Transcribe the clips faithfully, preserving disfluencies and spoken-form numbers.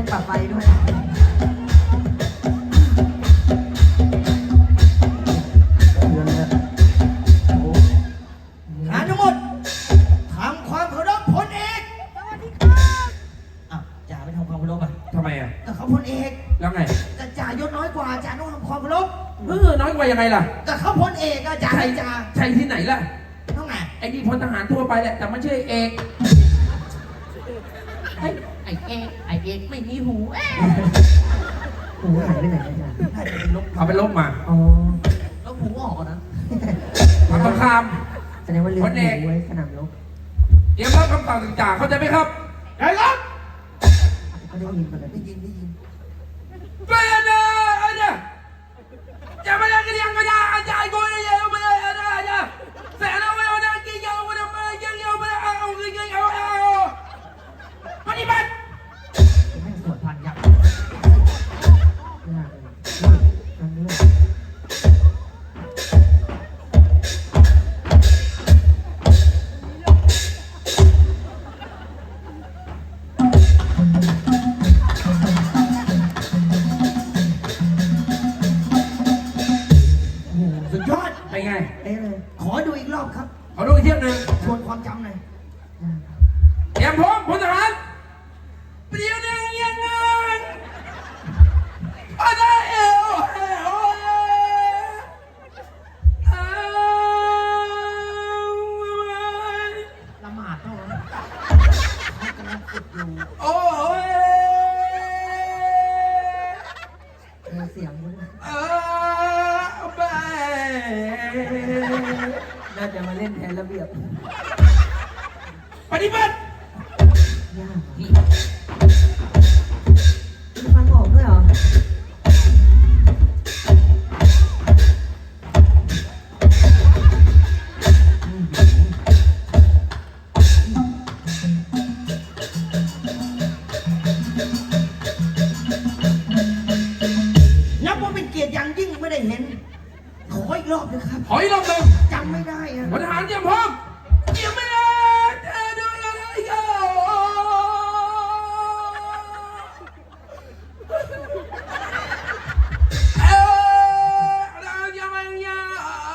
ปรับไฟด้วยงานทั้งหมดทำความเคารพพลเอกสวัสดีครับอ่ะจ่าไม่ทำความเคารพอ่ะทำไมอ่ะแต่เขาพลเอกแล้วไงแต่จ่ายศน้อยกว่าจ่าต้องทำความเคารพเออน้อยกว่ายังไงล่ะแต่เขาพลเอกอะจ่าไอ้จ่าใช่ที่ไหนล่ะเท่าไงไอ้นี่พลทหารทั่วไปแหละแต่ไม่ใช่เอกไอ้ไอ้เอกไอ้เอกไม่มีหูเอ๊ะหูหายไปไหนอาจารย์น่าจะเป็นลบเอาไปลบมาอ๋อแล้วหูออกอะนะทำสงครามแสดงว่าลืมคนเอกหูไว้สนามรบเตรียมรับคำสั่งจากเข้าใจไหมครับได้ครับก็ได้ยินมาแล้วได้ยินได้ยินเพื่อนนะไอ้เนี่ยจะไม่ได้กินยังไม่ได้อาจารย์กูเนี่ยยังไม่ได้อาจารย์เนี่ยแสนเอาไว้เอาได้กินยังไม่ได้มายังยังไม่ได้เอาเอาเอาเอาปฏิบัติให้สวดพันยักษ์ยากเลยอันนี้สุดยอดไปไงเอ๊ะเลยขอดูอีกรอบครับขอดูอีกเที่ยวหนึ่งทวนความจำหน่อยเตรียมพร้อมพลทหารเปลี่ยนหนึ่งยังไงอะไรเอวเอวเอาละหมาดเท่านั้นเขากำลังฝึกอยู่โอ้ยเออเสียงมันเออไปน่าจะมาเล่นแทนระเบียบปฏิบัติยากฟังออกด้วยเหรอนับว่าเป็นเกียรติอย่างยิ่งไม่ได้เห็น ขออีกรอบนะครับขออีกรอบหนึ่งจำไม่ได้อะพลทหารเตรียมพร้อมเตรียมไม่ได้เธอดูยังไงก็เออเรายังไม่ยา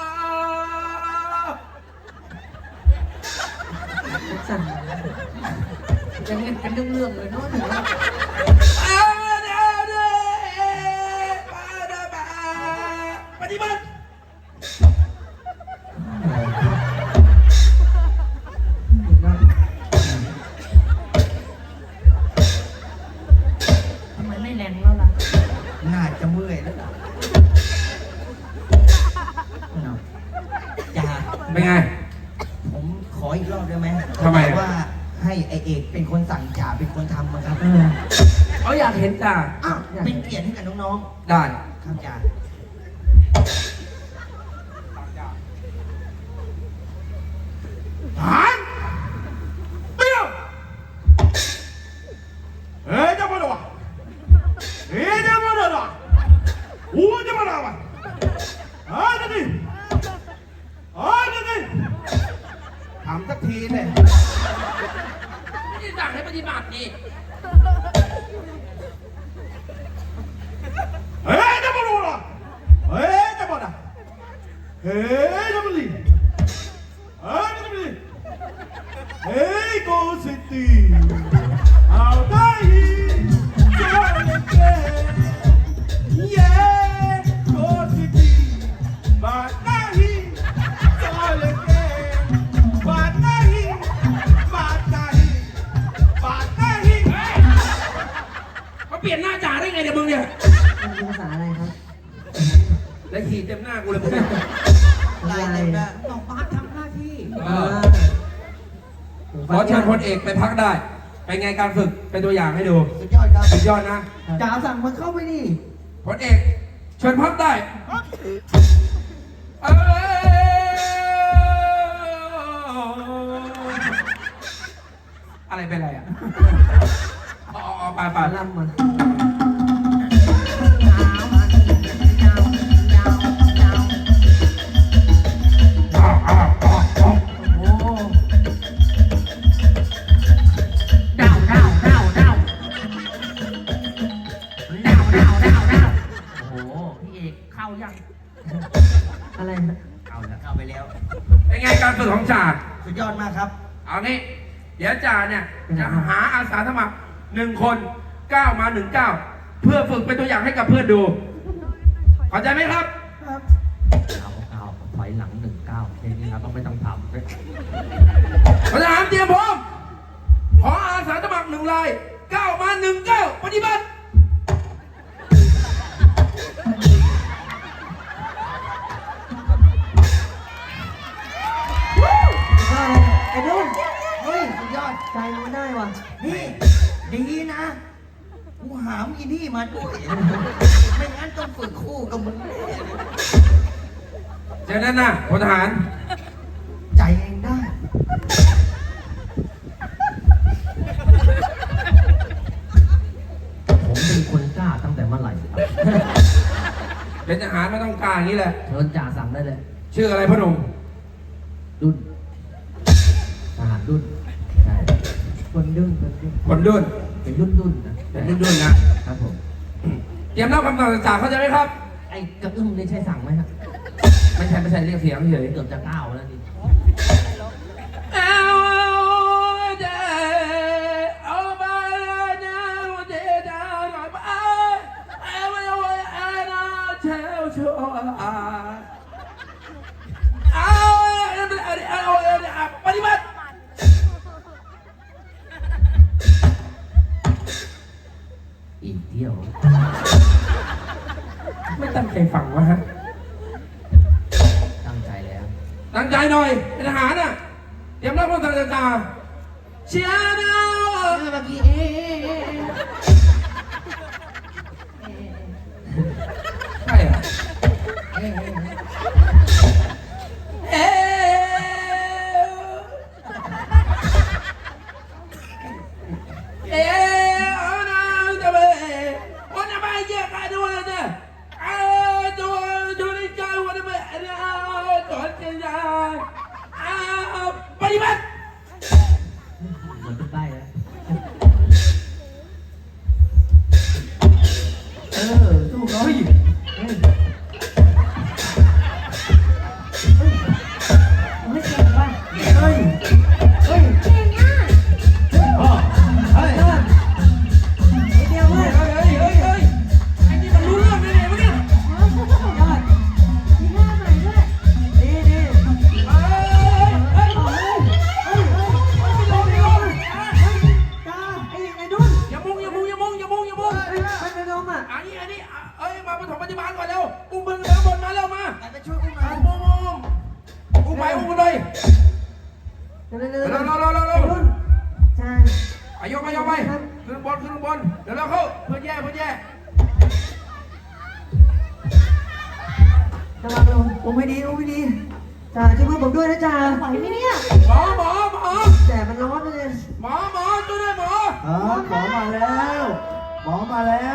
สั่นยังเล่นเป็นเรื่องๆเลยเนาะถึงว่าปฏิบัติทำไมไม่แรงแล้วล่ะน่าจะเมื่อยแล้วล่ะจ่าเป็นไงผมขออีกรอบได้ไหมทำไมอะว่าให้ไอเอกเป็นคนสั่งจ่าเป็นคนทำนะครับเออเขาอยากเห็นจ้าอ้าวเป็นเกียรติให้กับน้องได้ๆครับจ่าหานเปี้ยวเฮ้ยจะมาดูวะเฮ้ยจะมาดูวะอูจะมาดูวะอ่าจะดิอ่าจะดิทำสักทีเลยไม่ได้สั่งให้ปฏิบัตินี่เฮ้ยจะมาดูวะเฮ้ยจะมาดูเฮ้ยจะมาดิเฮ้ยจะมาดิเฮ้ยโกสิตีเอาได้จะเลยเกเย้โกสิตีบาดหน้าฮีจะเลยเกบาดหน้าฮีบาดหน้าฮีบาดหน้าฮีเขาเปลี่ยนหน้าจ่าได้ไงเนี่ยมึงเนี่ยมันเป็นภาษาอะไรครับแล้วขี่เต็มหน้ากูเลยมึงเนี่ยลายเต็มแล้วต้องบาสทำหน้าที่เออขอเชิญพลเอกไปพักได้ ไปไงการฝึกเป็นตัวอย่างให้ดูสุดยอดครับสุดยอดนะจ่าสั่งมันเข้าไปนี่พลเอกเชิญพักได้เอ้ยอะไรเป็นไรอ่ะอ๋ออ๋อไปไปลำมันอ้าวอ้าวอ้าวอ้าวโอ้โหดาวดาวดาวดาวยังอะไรนะเอาละเข้าไปแล้วเป็นไงการฝึกของจ่าสุดยอดมากครับเอางี้ เดี๋ยวจ่าเนี่ยจะหาอาสาสมัครหนึ่งคนก้าวมาหนึ่งก้าวเพื่อฝึกเป็นตัวอย่างให้กับเพื่อนดูเข้าใจไหมครับครับเอาเอาถอยหลังหนึ่งเก้าแค่นี้ครับต้องไม่ต้องทำทหารเตรียมพร้อมขออาสาสมัครหนึ่งรายก้าวมาหนึ่งก้าวปฏิบัติไอ้นุ่นเฮ้ยสุดยอดใจมันได้ว่ะนี่ดีนะกูหามอีนี่มาด้วย ไม่งั้นต้องฝึกคู่กับมึงแน่เจอนั่นนะพลทหารใจเองได้ผมเป็นคนกล้าตั้งแต่เมื่อไหร่ครับเป็นทหารไม่ต้องกล้าอย่างนี้แหละเชิญจ่าสั่งได้เลยชื่ออะไรพ่อหนุ่มดุนทหารดุนใช่คนดุนคนดุนคนดุนเป็นดุนดุนนะเป็นดุนดุนนะครับผมเตรียมรับคำสั่งจากเข้าใจไหมครับไอ้กระอึ้มนี่ใช่สั่งไหมครับไม่ใช่ไม่ใช่เรียกเสียงเฉยเกือบจะก้าวแล้วนี่เอาเดเอาไปเดาเดดาหน่อยไปเอาไปเอาไปเอาเช้าชัวเอาเอาเอาปฏิบัติอีกเที่ยวไม่ตั้งใจฟังวะฮะตั้งใจแล้วตั้งใจหน่อยเป็นทหารน่ะเตรียมรับคำสั่งจากจ่าเชียร์นะเมื่อกี้ใช่เหรอเอ๊เอ๊เอานะจะไปวันนี้ไปเยอะกันด้วยนะเอาตัวตัวนี้ใจวันนี้ไปเอาตัวเจียร์เอาปฏิบัติเหมือนเป็นใบแล้ว เออสู้เขาอีกเฮ้ยไม่เก่งว่ะเฮ้ย เฮ้ยเฮ้ยไอเดียวเว้ยเฮ้ยเฮ้ยเฮ้ยไอ้นี่มันรู้เรื่องเลยเนี่ยมึงเนี่ยยอดดีดีเฮ้ยเฮ้ยเฮ้ยเฮ้ยเฮ้ยไม่ลงไม่ลงตาไอ้ไอ้ดุนอย่ามุงอย่ามุงอย่ามุงอย่ามุงอย่ามุงเฮ้ยมันเป็นลมอ่ะอันนี้อันนี้เอ้ยมาปฐมปฏิบัติก่อนเร็วอุ้มมึงข้างบนมาเร็วมาไปช่วยอุ้มหน่อยอุ้มอุ้มอุ้มไปอุ้มกันเลยเร็วเร็วเร็วเร็วเร็วเร็วเร็วเร็วดุนใช่ไปยกไปยกไปขึ้นบนขึ้นบนเดี๋ยวเราเข้าเพื่อนแย่เพื่อนแย่ระวังระวังผมไม่ดีผมไม่ดีจ่าช่วยเพื่อนผมด้วยนะจ่าไหวไหมเนี่ยหมอหมอหมอแต่มันร้อนเลยหมอหมอช่วยด้วยหมอเออหมอมาแล้ว หมอมาแล้ว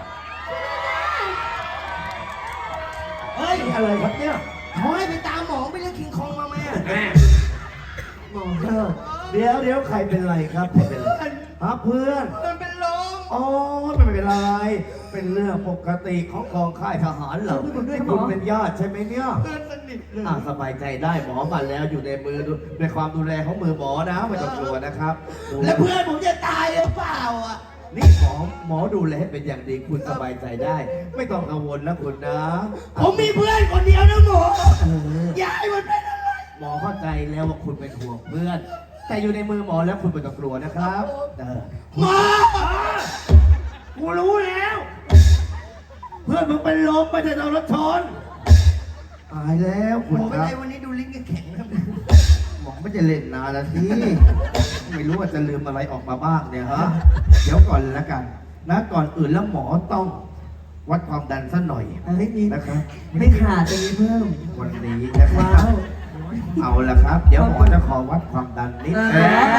เฮ้ยนี่อะไรครับเนี่ยเขาให้ไปตามหมอไปเรื่องคิงคองมาไหมอ่ะแม่หมอเออเดี๋ยวเดี๋ยวใครเป็นไรครับใครเป็นไรฮะเพื่อนมันเป็นลมอ๋อไม่เป็นไร เป็นเรื่องปกติของกองค่ายทหารเหรอคุณเป็นญาติใช่ไหมเนี่ยเพื่อนสนิทเลยอ่าสบายใจได้หมอมาแล้วอยู่ในมือดูในความดูแลของมือหมอนะไม่ต้องกลัวนะครับแล้วเพื่อนผมจะตายหรือเปล่าอ่ะนี่หมอหมอดูแลเป็นอย่างดีคุณสบายใจได้ ไม่ต้องกังวลนะคุณนะผมมีเพื่อนคนเดียวนะหมอเอออย่าให้มันเป็นอะไรหมอเข้าใจแล้วว่าคุณเป็นห่วงเพื่อน แต่อยู่ในมือหมอแล้วคุณไม่ต้องกลัวนะครับเออหมอกูรู้แล้ว เพื่อนมึงเป็นลมไม่ได้โดนรถชนตายแล้วหมคุณอเป็นครัไรบวันนี้ดูลิ้นแข็งๆนะหมอไม่จะเล่นนานแล้วสิไม่รู้ว่าจะลืมอะไรออกมาบ้างเนี่ยฮะเดี๋ยวก่อนแล้วกัน นะก่อนอื่นแล้วหมอต้องวัดความดันซะหน่อยเฮ้ยมีนะครับไม่ขาดจะมีเพิ่มวันนี้นะครับว้าวเอาละครับ เดี๋ยวหมอจะขอวัดความดันนิดเออเอ๊ะ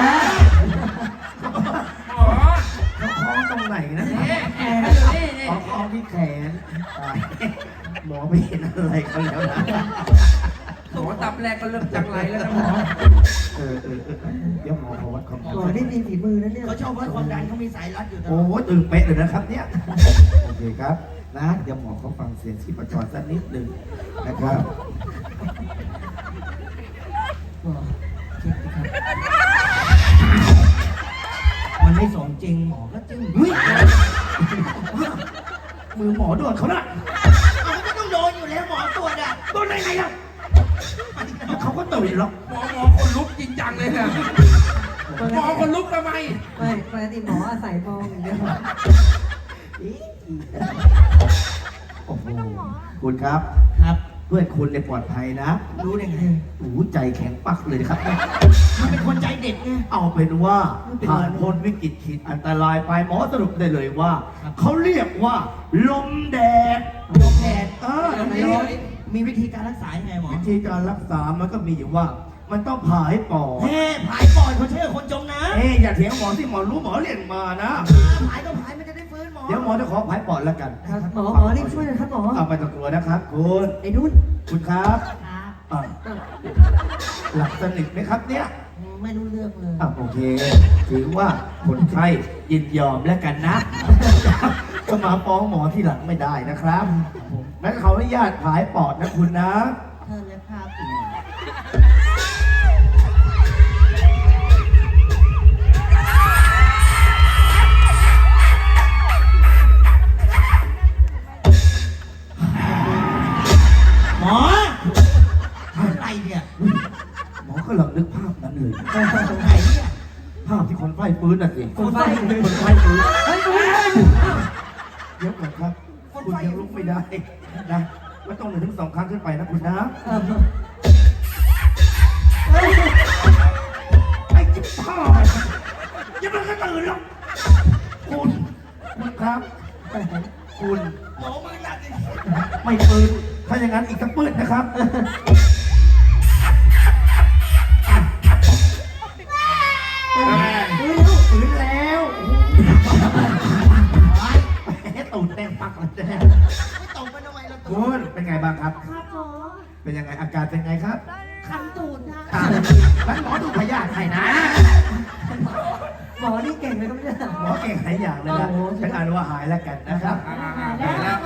หมอเขาคล้องตรงไหนนะเอ๊ะแอบอยู่นี่นี่ขอคล้องที่แขนตายหมอไม่เห็นอะไรเขาแล้วนะหมอตับแรกก็เริ่มจังไรแล้วนะหมอเออเออเออเดี๋ยวหมอขอวัดความดันหมอนี่มีฝีมือนะเนี่ยเขาชอบวัดความดันเขามีสายรัดอยู่ตลโอ้อดโหตึงเป๊ะเลยนะครับเนี่ยโอเคครับนะเดี๋ยวหมอเขาฟังเสียงชีพจรสักนิดหนึ่งนะครับหมอเช็คดิครับมันไม่สมจริงหมอก็จึ้งเฮ้ยมือหมอโดนเขาน่ะเอาไม่ต้องโดนอยู่แล้วหมอตรวจอ่ะโดนได้ไงล่ะเขาก็ตื่นหรอกหมอหมอคนลุกจริงจังเลยเนี่ยหมอคนลุกทำไมไม่ปกติหมออาศัยมองอย่างเดียวโอ้โหคุณครับครับเพื่อนคุณเนี่ยปลอดภัยนะรู้ได้ไงโอ้โหใจแข็งปักเลยนะครับมันเป็นคนใจเด็ดไงเอาเป็นว่าไม่เป็นไรผ่านพ้นวิกฤตขีดอันตรายไปหมอสรุปได้เลยว่า เขาเรียกว่าลมแดดลมแดดเอออันแล้นี้วมีวิธีการรักษายังไงหมอวิธีการรักษามันก็มีอยู่ว่า มันต้องผ่าให้ปอดเฮ้ผายปอดเขาเชื่อคนจมน้ำเอ้ยอย่าเถียงหมอที่หมอรู้หมอเรียนมานะผายก็ผายมันจะได้ฟื้นหมอเดี๋ยวหมอจะขอผายปอดแล้วกันครับหมอหมอรีบช่วยหน่อยครับหมอเอาไปตะกลัวนะครับคุณไอ้นุ่นคุณครับครับอ่ะหลับสนิทไหมครับเนี่ยไม่รู้เรื่องเลยอ่ะโอเค ถือว่าคนไข้ยินยอมแล้วกันนะ ก็มาฟ้องหมอที่หลังไม่ได้นะครับงั้นเขาอนุญาตผายปอดนะคุณนะเธอและภาพอีกหมออะไรเนี่ยหมอกำลังนึกภาพนั้นเลยไหนเนี่ยภาพที่คนไข้ฟื้นน่ะสิคนไข้คนไข้ฟื้นเฮ้ยคุณเดี๋ยวก่อนครับ คุณยังลุกไม่ได้นะไม่ต้องหนึ่งถึงสองครั้งขึ้นไปนะคุณนะเอ่อไอ้จิ๊บพ่อยังไม่ก็ตื่นหรอกคุณคุณครับคุณหมอมือหนักเลยไม่ฟื้นถ้าอย่างนั้นอีกสักปืนนะครับฟื้นแล้วแหมตูดแน่นปักเลยนะไม่ตกไปทำไมเราตกคุณเป็นไงบ้างครับครับหมอเป็นยังไงอาการเป็นไงครับคันตูดนะอ่ะงั้นหมอดูพยาธิให้นะหมอนี่เก่งเลยก็ไม่ได้หมอเก่งหลายอย่างเลยนะโอ้โหเป็นอันว่าหายแล้วกันนะครับอ่าๆๆ